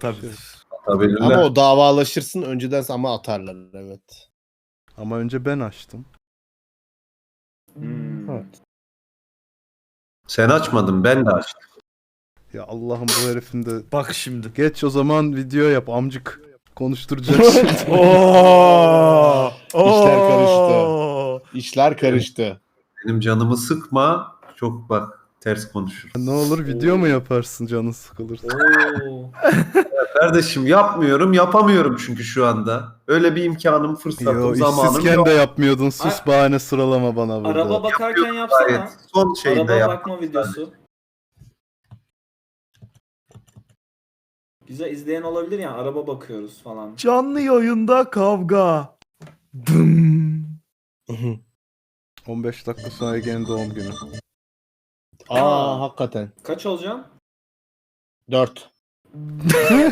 Tabii. Atabilirler. Ama o davalaşırsın önceden ama atarlar evet. Ama önce ben açtım. Evet. Sen açmadın, ben de açtım. Ya Allah'ım bu herifin de... Bak şimdi. Geç o zaman video yap amcık. Konuşturacak şimdi. Oo! İşler karıştı. Oo! İşler karıştı. Benim canımı sıkma. Çok bak ters konuşur. Ne olur video mu yaparsın canın sıkılırsa? Oo. Kardeşim yapmıyorum, yapamıyorum çünkü şu anda. Öyle bir imkanım, Yo fırsatım, zamanım işsizken yok. de yapmıyordun. Sus Ay- bahane sıralama bana burada. Araba bakarken Gayet. yapsana. Son şeyde Araba yap. bakma videosu. Güzel izleyen olabilir ya, araba bakıyoruz falan. Canlı yayında kavga. Dım. 15 dakika sonra Ege'nin doğum günü. Aa hakikaten. Kaç olacağım? 4.